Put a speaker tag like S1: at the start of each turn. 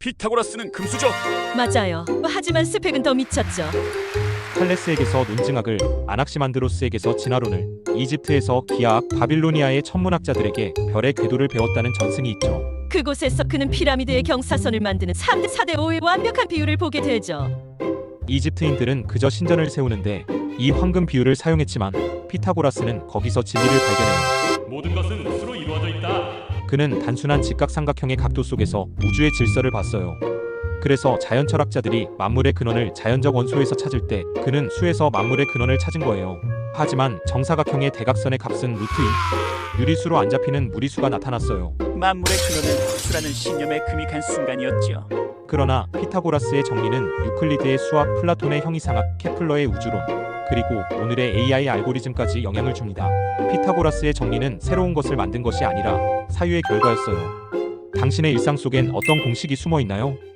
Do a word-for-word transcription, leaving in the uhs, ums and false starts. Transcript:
S1: 피타고라스는 금수저.
S2: 맞아요. 하지만 스펙은 더 미쳤죠.
S3: 탈레스에게서 논증학을, 아낙시만드로스에게서 진화론을, 이집트에서 기하학, 바빌로니아의 천문학자들에게 별의 궤도를 배웠다는 전승이 있죠.
S2: 그곳에서 그는 피라미드의 경사선을 만드는 삼 대 사 대 오의 완벽한 비율을 보게 되죠.
S3: 이집트인들은 그저 신전을 세우는데 이 황금 비율을 사용했지만 피타고라스는 거기서 진리를 발견해요.
S1: 모든 것은 수로 이루어져 있다.
S3: 그는 단순한 직각삼각형의 각도 속에서 우주의 질서를 봤어요. 그래서 자연 철학자들이 만물의 근원을 자연적 원소에서 찾을 때 그는 수에서 만물의 근원을 찾은 거예요. 하지만 정사각형의 대각선의 값은 루트인 유리수로 안 잡히는 무리수가 나타났어요.
S4: 만물의 근원은 수라는 신념에 금이 간 순간이었죠.
S3: 그러나 피타고라스의 정리는 유클리드의 수학, 플라톤의 형이상학, 케플러의 우주론, 그리고 오늘의 에이아이 알고리즘까지 영향을 줍니다. 피타고라스의 정리는 새로운 것을 만든 것이 아니라 사유의 결과였어요. 당신의 일상 속엔 어떤 공식이 숨어 있나요?